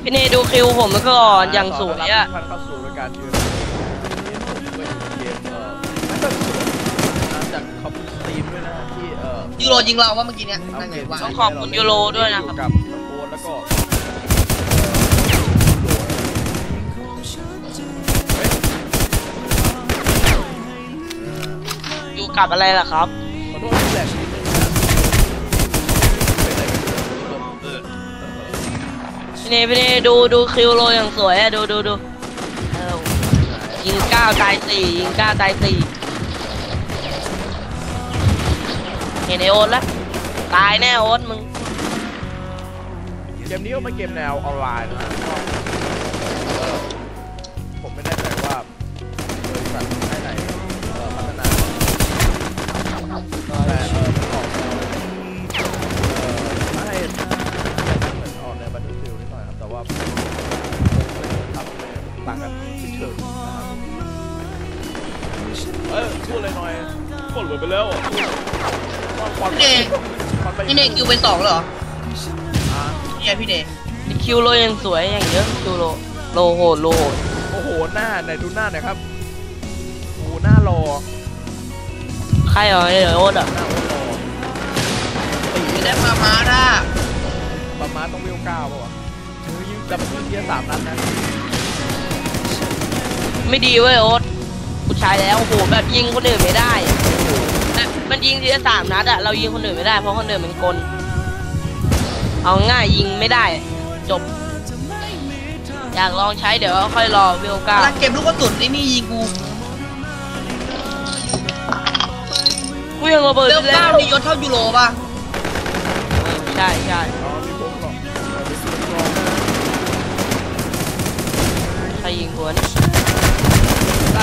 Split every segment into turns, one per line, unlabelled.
พี่เนดูคิวผมมาก่อนอย่างสวยอ่ะ
ท่านเข้าสู่รายการยืนเกมจากขอบคุณสตรีมด้วยนะที่
ยูโรยิงเราว่าเมื่อกี้เนี้ยนั่นไงว่า
ต้องขอบคุณยูโรด้วยนะครับ
กับน้องโบ๊ทแล้วก็
อยู่กับอะไรล่ะครับ
ขอโทษที่แหลกนิดนึงนะ
พี่เนดูคิวโรอย่างสวยอะดูยิง9 ตาย 4ยิง9 ตาย 4เห็นไอโอ๊ตแล้วตายแน่โอ๊ตมึง
เกมนี้ก็เป็นเกมแนวออนไลน์นะผมไม่แน่ใจว่าบริษัทไหนพัฒนาแต่ออกมาให้เหมือนออกในบัตเทิลฟิลนิดหน่อยครับแต่ว่าทำต่างกันเฉยๆพูดเลยหน่อยกดเหลือไปแล้ว
พี่เนคิวไป2เหรอเนี่ยพี่เน
คิวโรยังสวยอย่างเยอะคิวโรโหด
โอ้โหหน้าไหนดูหน้าหน่อยครับโอ้หน้ารอ
ใครเหรอโอ๊ตอ่ะ
หน้าโอ๊ตรอ
ตีแล้วมาด่า
ประมาณต้องวิว9ป่ะวะจะเป็นเทียร์3 นัดนะ
ไม่ดีเว้ยโอ๊ตผู้ชายแล้วโอ้โหแบบยิงคนอื่นไม่ได้มันยิงทีละ3 นัดอะเรายิงคนอื่นไม่ได้เพราะคนอื่นเป็นกลเอาง่ายยิงไม่ได้จบอยากลองใช้เดี๋ยวค่อยรอวิว9
แล้วเก็บลูกกระสุนไอ้นี่ยิง
กูยังระเบิด
วิว9นี่ยศเท่ายูโรป่ะ
ใช่ใครยิงหัวนี่
ได้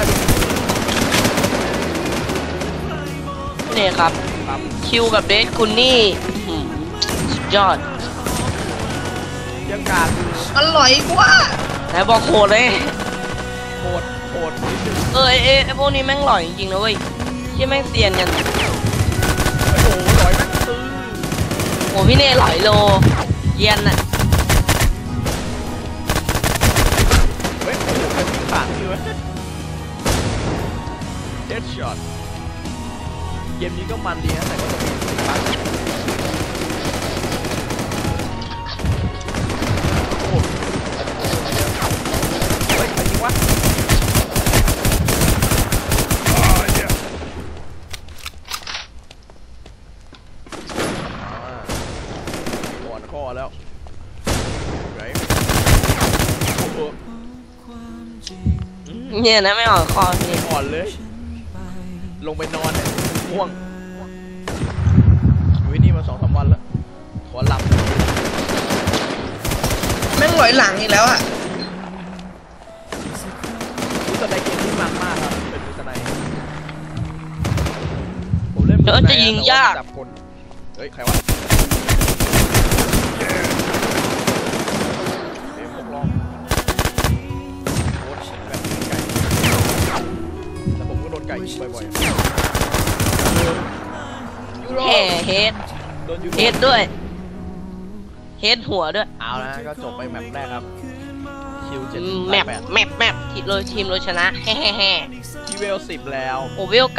เนี่ยครับคิวกับเดชคุณนี่สุดยอด
ยังการ
อร่อยกว่า
ไหนบอกโหดเลย
โหดนิดนึง
ไอพวกนี้แม่งหล่อยจริงๆนะเว้ยที่แม่งเซียนกัน
โอ้โหหล่อยแม่งตื้อ
โอ้พี่เน่หล่อยโลเย็นน่ะ
เฮ้ยโอ้โหเป็นผ่านที่วะเด็ดช็อตเกมนี้ก็มันดีนะแต่ก็จะมีบ้างโอ้เฮ้ยใครยิงวะอ่อนคอแล้วไง
เนี่ยนะไม่อ่อนคอพี่
อ่อนเลยลงไปนอนเนี่ยง่วงอยู่ที่นี่มา2-3 วันแล้วขอหลับ
แม่งหลอยหลังอีกแล้วอ่ะ
รู้สึกในเกมที่มันมากครับเป็นรู้สึกในผมเล่น
จะยิงยาก
จับคนเฮ้ยใครวะเดี๋ยวผมลองโคตรแบบไก่แต่ผมก็โดนไก่ยิงบ่อยๆ
เฮดด้วยเฮดหัวด้วย
เอาละก็จบไปแมปแรกครับคิว7
แมปทีมเราชนะแฮ่
ที่เวล10แล้ว
โอเวล9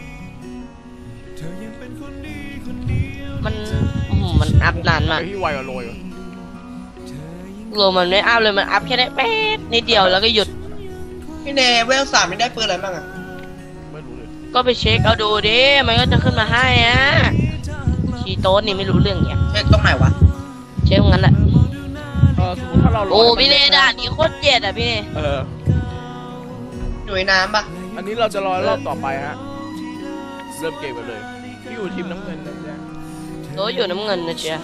มันอัพนานมาก
ที่ไวกว่าโรย
มันไม่อัพเลยมันอัพแค่ได้แป๊ดนิดเดียวแล้วก็หยุด
พี่เนเวล3ไม่ได้ปืนอะไรบ้างอ่ะ
ไม่รู้เลย
ก็ไปเช็คเอาดูดิมันก็จะขึ้นมาให้อ่ะชีโต้นี่ไม่รู้เรื่องเนี่ย
เช็คตรงไหนวะ
เช็คตรงนั้นแหละ
สมมติถ้าเรา
โอ้พี่เนด่านนี้โคตรเจ็ดอ่ะพี่เน
หน่วยน้ำปะ
อันนี้เราจะรอรอบต่อไปฮะเริ่มเกมกันเลยพี่อยู่ทีมน้ำเงินนะจ๊ะ
โต้อยู่น้ำเงินนะจ๊ะ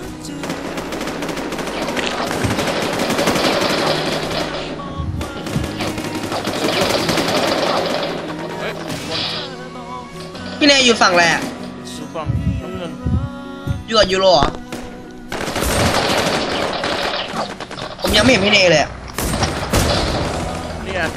พี่เนอยู่ฝั่งแรก
อยู่ฝั่งน้ำเงิน
อยู่กับยูโรเหรอผมยังไม่เห็นพี่เนเลย
นี่ไง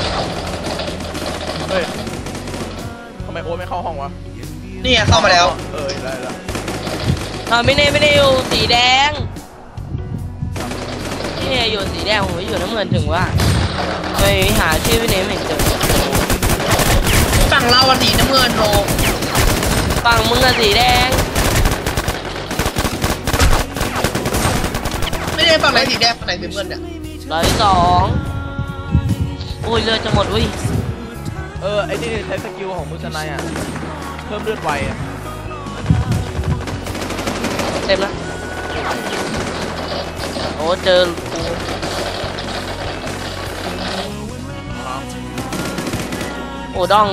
เฮ้ยทำไมโอ๊ตไม่เข้าห้องวะ
นี่เข้ามาแล้ว
ได้แล้ว
ไม่ได้อยู่สีแดงนี่เนยอยู่สีแดงผมอยู่น้ำเงินถึงว่าไปหาชื่อพี่เนยไม่เจอ
ฝั่งเราวันสีน้ำเงินโล
ฝั่งมึงอะสีแดง
ไม่ได้ฝั่งไหนสีแดงฝั่งไหนสีน้ำเงินเนี่ย
102โอ้ยเลือดจะหมดอุ้ย
ไอ้นี่ใช้สกิลของมือสไนอ่ะเพิ่มเลือดไวอ่ะ
เต็มแล้วโอ้เจอโอ้ดอง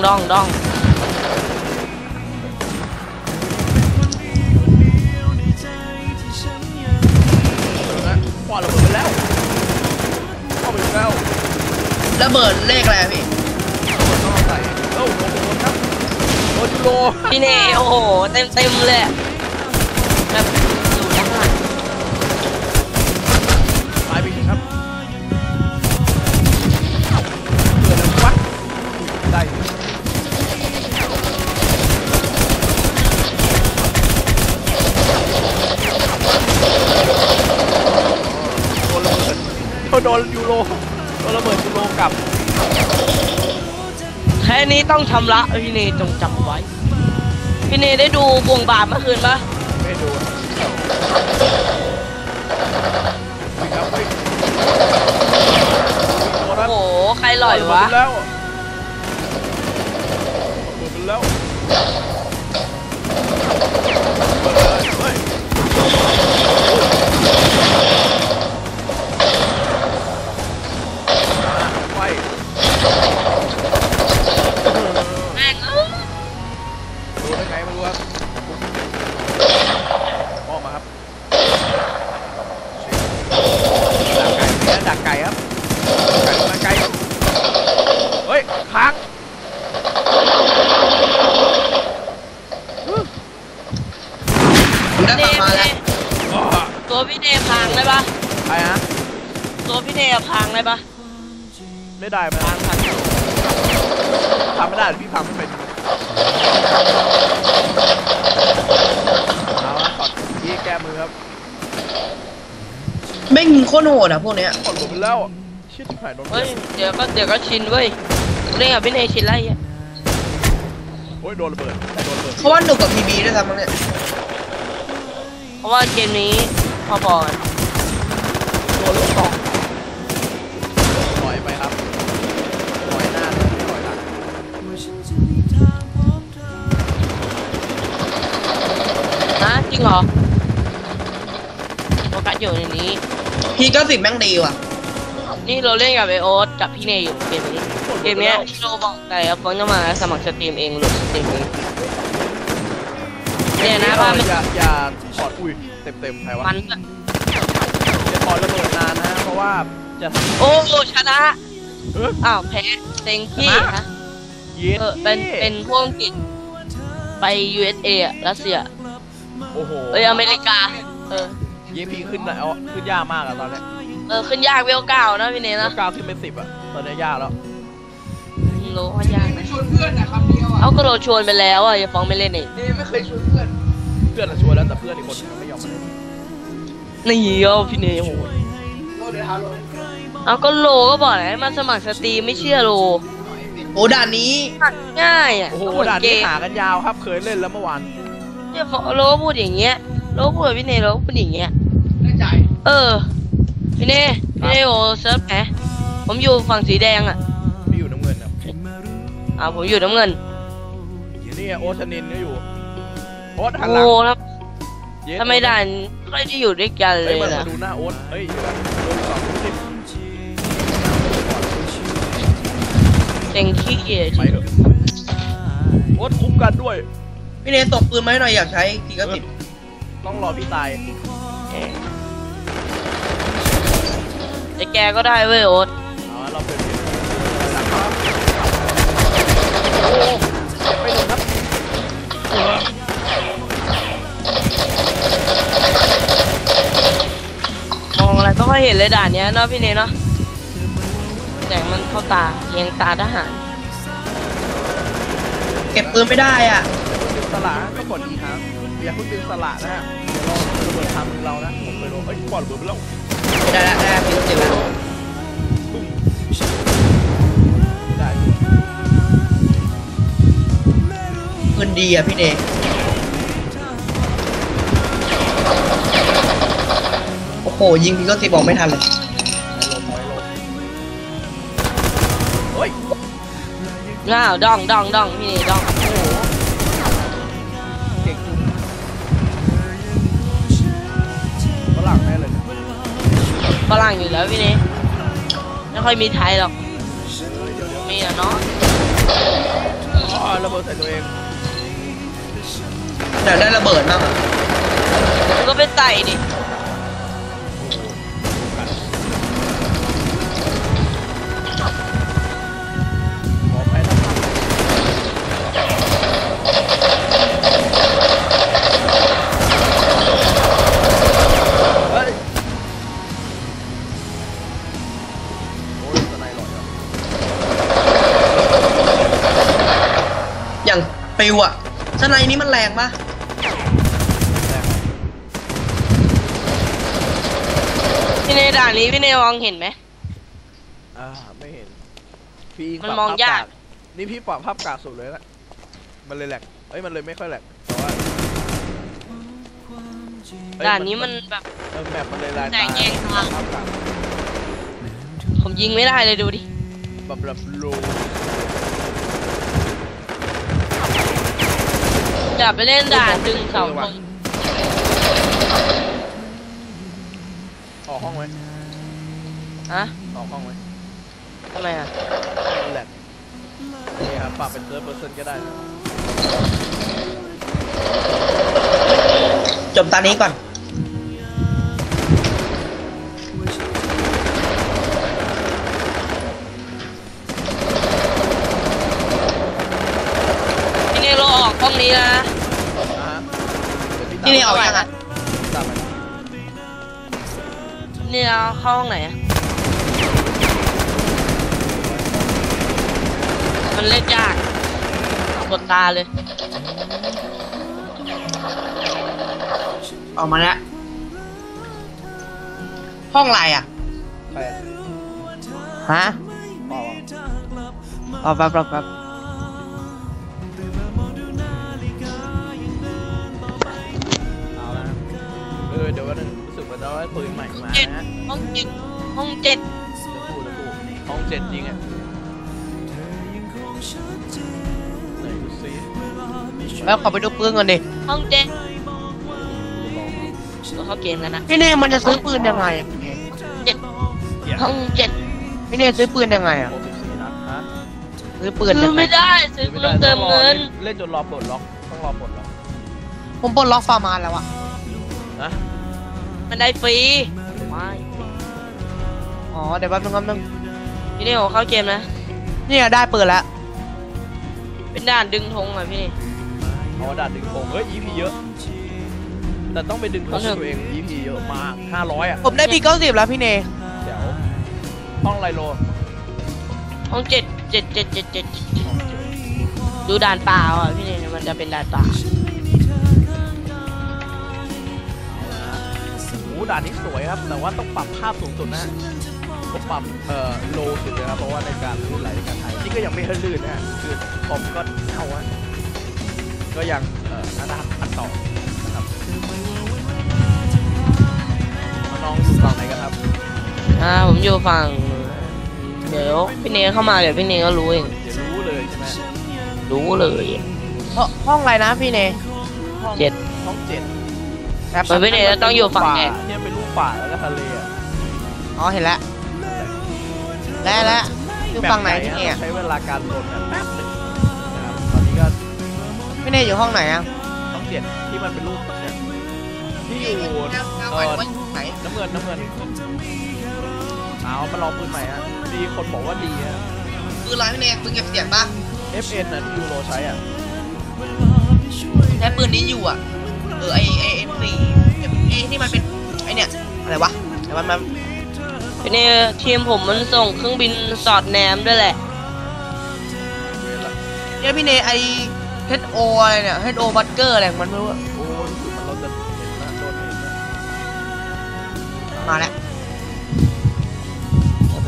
ปอดระเบิดไปแล้วเข้าไปแล้ว
ระเบิดเลขอะไรพี่
ต้องใส่โอ้โหครับโอจูโร
พี่เนยโอ้โหเต็มเลยแบบอยู่ด้านหลัง
ตายไปอีกครับเกิดอะไรวะได้โดนยูโรโดนระเบิดยูโรกลับ
แค่นี้ต้องชำระพี่เนยจงจำไว้พี่เนยได้ดูบวงบาทเมื่อคืนปะ
ไม่ดูครับเฮ้ย
โอ้โหใครหล่อยวะ
แล้วหมดแล้วเฮ้ยไฟ
แม่ง
ดูได้ไงไม่รู้ครับออกมาครับดักไก่ครับดักไก่เฮ้ยค้าง
ผมได้ฝั่งมาแล้ว
ตัวพี่เนยพังได้ปะ
ใครฮะ
ตัวพี่เนยพังได้ปะ
ไม่ได้ไหม
พัง
ทำไม่ได้พี่ทำไม่เป็นเอาละช็อตพี่แก้มือครับ
แม่งโคตรโหดอ่ะพวกเนี้ย
กดลงไปแล้วชิดหายโดน
เฮ้ยเดี๋ยวก็ชินเว้ยเล่นกับพี่เนยชินไรอ่ะ
โอ้ยโดนระเบิดโดนระเบิด
เพราะว่าหนุกกับพีบีด้วยซ้ำมั้งเนี่ย
เพราะว่าเกมนี้พอๆกัน
โดนลูกกองปล่อยไปครับปล่อยหน้าปล่อยหลัง
นะจริงเหรอโฟกัสอยู่ในนี้
พีก็สิบแม่งดีว่ะ
นี่เราเล่นกับไอโอ๊ตกับพี่เนยอยู่เกมนี้เกมเนี้ยที่เราบอกไปครับฟอนจะมาสมัครสตรีมเองหรือสตรีมนี้เนี่ยนะว่ามัน
อย่าถอดอุ้ยเต็มใครวะ
มันอะ
อย่าถอดระเบิดนานนะเพราะว่าจะทำ
โอ้ชนะ
เออ
อ้าวแพ้เต็งที่ฮะ
เย็น
เป็นพวกอังกฤษไป USA อะรัสเซีย
โอ้โห
อเมริกา
เยพีขึ้นนะเอาขึ้นยากมากอะตอนเนี้ย
ขึ้นยากเวลเก้านะพี่เนยนะ
ก้าวขึ้นเป็น10อะตอนนี้ยากแล้ว
โลว่ายากนะ
ชวนเพื่อนนะคำเดียวอ่ะ
เอาก็เราชวนไปแล้วอ่ะอย่าฟ้องไม่เล่นอีก
นี่ไม่เคยชวนเพื่อน
เพื่อนอะชวนแล้วแต่เพื่อนอีกคนนึงไม่ยอมมาเล่น
นี่เอาพี่เนยโห
โลเดี๋ยวหาโล
เอาก็โลก็บอกให้มันสมัครสตรีมไม่เชื่อโล
โอ้ด่านนี้
ง่ายอ่ะ
โอ้โห
ก็เหมือน
ด่าน
เก
นี้
ม
หากันยาวครับเคยเล่นแล้วเมื่อวาน
เนี่ยโลพูดอย่างเงี้ยโลพูดกับพี่เนยโลพูดอย่างเงี้ย
ได้ใจ
พี่เนยโอเซิร์ฟไหนผมอยู่ฝั่งสีแดงอ่ะ
พี่อยู่น้ำเงินครับ
ผมอยู่น้ำเงิน
นี่โอชนินก็อยู่โอ๊ตหันหลั
โอ้
ง
ครับ
เย็น
ทำไมด่านไม่ได้อยู่ด้วยกันเล
เฮ้ย
ย
มา
นะ
ดูหน้าโอ๊ตเฮ้ยโดน2 10
เต็งขี้เกียจ
ไปเถอะโอ๊ตคุ้มกันด้วย
พี่เนยตบปืนมาให้หน่อยอยากใช้พีก็สิบ
ต้องรอพี่ตาย
แต่แกก็ได้เว้ยโอ๊ต
เอาเราเป็นหลังครับโอ้เจ็บไปหนึ่งครับ
มองอะไรก็ค่อยเห็นเลยด่านเนี้ยเนาะพี่เนยเนาะแสงมันเข้าตาเยียงตาทหาร
เก็บปืนไม่ได้อ่ะ
ดึงสละก็กดอีกครั้งอย่าเพิ่งดึงสละนะฮะเดี๋ยวเราระเบิดทำมือเรานะผมไปโดนเอ้ยปอดระเบิดไปแล้ว
ได้แล้วได้พี่รู้สึกแล้ว
ได้
ปืนดีอ่ะพี่เนยโอ้โหยิงพี่ก็สิบอกไม่ทันเลย
ไปลงเฮ้ย
ง้าวดองพี่นี่ดองโอ้โห
เก่งจุงฝรั่งแน่เลยเนี่ย
ฝรั่งอยู่แล้วพี่นี่ไม่ค่อยมีไทยหรอก
เดี๋ยว
มีอะเนาะ
อ๋อระเบิดใส่ตัวเอง
แต่ได้ระเบิดมากอ่ะ
มันก็ไปใส่ดิ
ขอไปแล้วครับเฮ้ยโอ้ยสไนด์หลอดอ่ะ
อย่างปิวอ่ะสไนนี้มันแรงปะ
พี่นี่ด่านนี้พี่นี่มองเห็นไหม
ไม่เห็นพี่ยิง
มัน
ปรับ
มอง
ภพ
ยาก
นี่พี่ปรับภาพกากสุดเลยนะมันเลยแหลกเอ้ยมันเลยไม่ค่อยแหลกแต่ว่าเอ้ย
ด่านนี้มันแบบ
แมปมันเลยลาย
แต
ตาก
แยกทาง
ภาพกาก
ผมยิงไม่ได้เลยดูดิ
แบบโล
อย่าไปเล่นด่านดึงเสาธง
ออกห้องไหม
ฮะ
ออกห้องไหม
ทำไมอ่ะ
มันแหลกนี่ครับปรับเป็น3%ก็ได้นะ
จบตานี้ก่อน
พี่นี่เราออกห้องนี้นะ
ฮะ
พี่เนยออกยังอ่ะ
ตามไป
นี่เราเข้าห้องไหนอะมันเล่นยากกดตาเลย
ออกมาแล้วห้องอะไรอ่ะ
ใคร
ฮะ
ออก
เอาแป๊บ
เอาละเดี๋ยววันนึงรู้สึกว่าจะได้ปืนใหม่มา
เจ็ด
นะ
ห้องเจ็ดห้องเจ็ด
จะพูดห้อง7จริงอ่ะไหนดูซิ
แล้วขอไปดูปืนก่อนดิ
ห้องเจ็ดก็เข้าเกมแล้วนะ
พี่เนยมันจะซื้อปืนยังไงอะ
เจ็ดห้องเจ็ด
พี่เนยซื้อปืนยังไงอ่ะ
64นัดฮะ
ซื้อปืน
ซื้อไม่ได้ซื้อต้องเติมเงิน
เล่นจนรอปลดล็อกต้องรอปลดล็อก
ผมปลดล็อกฟาร์มานแล้วอ่ะ
นะ
มันได้ฟรีไม่
อ๋อเดี๋ยวแป๊บนึง
พี่นี่ผมเข้าเกมนะ
เนี่ยได้ปืนแล้ว
เป็นด่านดึงธงอ่ะพี่นี่
เอาดัดดึงโป่งเฮ้ย EP เยอะ แต่ต้องไปดึงธงตัวเอง EP เยอะมาก500อ่ะ
ผมได้ปี90แล้วพี่เนย
เดี๋ยวห้องไรโล
ห้องเจ็ดดูด่านเปล่าอ่ะพี่นี่มันจะเป็นด่านเปล่า
โอ้ด่านนี้สวยครับ แต่ว่าต้องปรับภาพสูงสุดนะผมปรับโลสุดเลยครับเพราะว่าในการลื่นไหลในการถ่ายนี่ก็ยังไม่ให้ลื่นนะคือคอมก็เท่าอะก็ยังน่าอัดต่อนะครับน้องอยู่ฝั่งไหนกันครับ
ผมอยู่ฝั่งเดี๋ยวพี่เนเข้ามาเดี๋ยวพี่เนก็รู้เอง
เดี๋ยวรู้เลยใช่ไหม
รู้เลย
ห้องอะไรนะพี่เนย
ห้อง
เจ็ด
ห้อง7
เปิดพี่เนจะต้องอยู่ฝั่งแดง
เนี่ยเป็นรูปป่าแล้วก็ทะเลอะ
อ๋อเห็นแล้วแล้วอยู่ฝั่งไหนพี่เนย
แบบใช้เวลาการโหลดแบบแป๊บหนึงนะครับตอนนี้ก็
พี่เนยอยู่ห้องไหนอ่ะ
ห้อง7ที่มันเป็นรูปเนี่ยที่อยู่
ไหน
น้ำเงินเอามาลองปืนใหม่ฮะมีคนบอกว่าดีฮะ
ปืนอะไรพี่เนยปืนเก็บเสียงปะ
FN น่ะที่ยูโรใช้อ่ะ
ใช้ปืนนี้อยู่อ่ะไอM4ที่มันเป็นไอเนี่ยอะไรวะแต่มัน
พี่เนทีมผมมันส่งเครื่องบินสอดแนมด้วยแหละ
เวลา
เนี่ยพี่เนยไอ HO อะไรเนี่ย HO บัตเกอร์อะไรของมันไม่รู้อะ
โอ้รู้สึกมันเราจะเห็นนะโดนเห็นนะ
มาแล้ว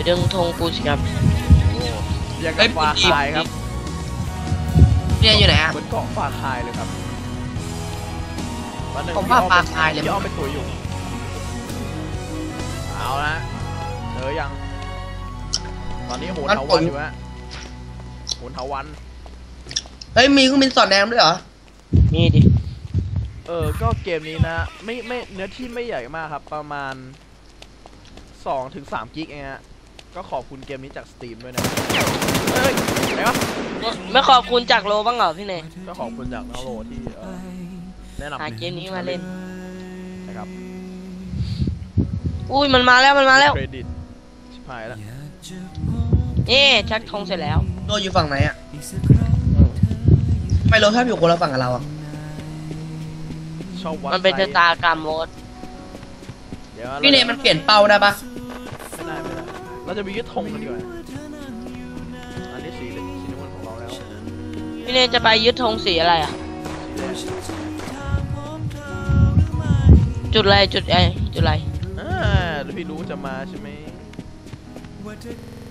ดึงธงกูสิครับ
ยังกับฟาคายครับ
พี่เนยอยู่ไหนอะ
เหมือนเกาะฟาคายเลยครับวันหนึ่ง
ผมว่าฟาคายเลย
พี่อ้อมไปตัวอยู่เอาละเจอยังตอนนี้โหนเถาวันอยู่ฮะโหนเถาวัน
เฮ้ยมีเครื่องบินสอดแนมด้วยเหรอ
นี่ดิ
ก็เกมนี้นะไม่เนื้อที่ไม่ใหญ่มากครับประมาณ2-3 กิกเองฮะก็ขอบคุณเกมนี้จากสตรีมด้วยนะเฮ้ยไหนวะ
ไม่ขอบคุณจากโลบ้างเหรอพี่เนย
ก็ขอบคุณจากน้องโลที่แนะนำ
หาเกมนี้มาเล่น
นะครับ
อุ้ยมันมาแล้วมันมาแล้ว
เครดิตชิบหายแล้ว
นี่ชักธงเสร็จแล้ว
โดอยู่ฝั่งไหนอะทำไมโรถชอบอยู่คนละฝั่งกับเราอะ
ชอบวัด
มันเป็น
ไซ
ชะตากรรมโรถ
เดี๋ยว
พี่เนยมันเปลี่ยนเป้าได้ปะ
ไม่ได้เราจะมียึดธงกันดีกว่าอันนี้สีน้ำเงินของเราแล้ว
พี่เนยจะไปยึดธงสีอะไรอ่ะ จุดอะไรจุดอะไร
เดี๋ยวพี่รู้จะมาใช่ไหม